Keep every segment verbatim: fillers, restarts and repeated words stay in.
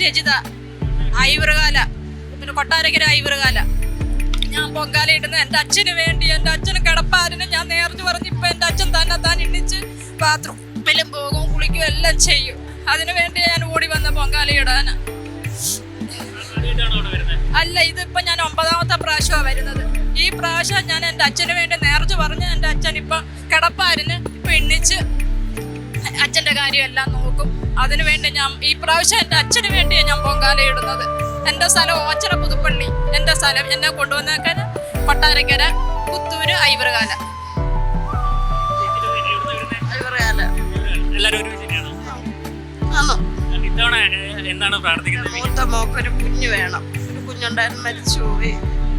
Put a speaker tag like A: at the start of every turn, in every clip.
A: രജിത, ഐവറുകാല, പിന്നെ കൊട്ടാരക്കര ഐവറുകാല. ഞാൻ പൊങ്കാല ഇടുന്ന എൻ്റെ അച്ഛന് വേണ്ടി, എൻ്റെ അച്ഛന് കിടപ്പാരിന് ഞാൻ നേർച്ചു പറഞ്ഞ് ഇപ്പം എൻ്റെ അച്ഛൻ തന്നെ താൻ എണ്ണിച്ച് ബാത്റൂമിലും പോകും, കുളിക്കും, എല്ലാം ചെയ്യും. അതിനു വേണ്ടി ഞാൻ ഓടി വന്ന പൊങ്കാല ഇടാൻ. അല്ല, ഇതിപ്പം ഞാൻ ഒമ്പതാമത്തെ പ്രാവശ്യമാണ് വരുന്നത്. ഈ പ്രാവശ്യം ഞാൻ എൻ്റെ അച്ഛന് വേണ്ടി നേർച്ചു പറഞ്ഞ് എൻ്റെ അച്ഛൻ ഇപ്പം കിടപ്പാരിന് ഇപ്പം എണ്ണിച്ച് അച്ഛൻ്റെ കാര്യമെല്ലാം നോക്കും. അതിനു വേണ്ടി ഞാൻ ഈ പ്രാവശ്യം എൻ്റെ അച്ഛന് വേണ്ടിയാണ് ഞാൻ പൊങ്കാല ഇടുന്നത്. എൻ്റെ സ്ഥലം ഓച്ചറ പുതുപ്പള്ളി. എൻ്റെ സ്ഥലം എന്നെ കൊണ്ടുവന്നേക്കാൻ കൊട്ടാരക്കര, പുത്തൂര്, ഐവറുകാല. ഐവറുകാല മൂത്ത മോക്കൊരു കുഞ്ഞ് വേണം. ഒരു കുഞ്ഞുണ്ടായിരുന്നു, മരിച്ചു പോയി.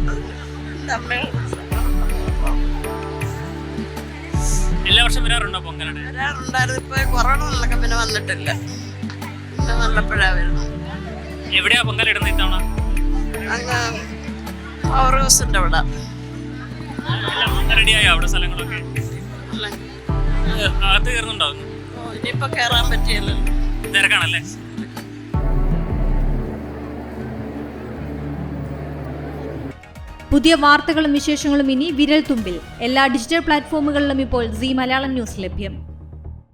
B: എല്ലാ വർഷം വരാറുണ്ടോ പൊങ്കൽ?
A: വരാറുണ്ടായിരുന്നു. ഇപ്പൊ കൊറോണ വന്നൊക്കെ പിന്നെ വന്നിട്ടില്ല. പിന്നെ നല്ലപ്പോഴാ വരുന്നത്.
B: എവിടെയാ പൊങ്കൽ ഇടുന്നത് ഇത്തവണ?
A: അങ്ങ് പവർ ഹൗസിന്റെ അവിടെ.
B: റെഡിയായോ അവിടെ സ്ഥലങ്ങളൊക്കെ? അകത്ത് കയറുന്നുണ്ടോ?
A: ഇനിയിപ്പോ കയറാൻ പറ്റിയല്ലോ,
B: തിരക്കാണല്ലേ?
C: പുതിയ വാർത്തകളും വിശേഷങ്ങളും ഇനി വിരൽ തുമ്പിൽ. എല്ലാ ഡിജിറ്റൽ പ്ലാറ്റ്ഫോമുകളിലും ഇപ്പോൾ സീ മലയാളം ന്യൂസ് ലഭ്യം.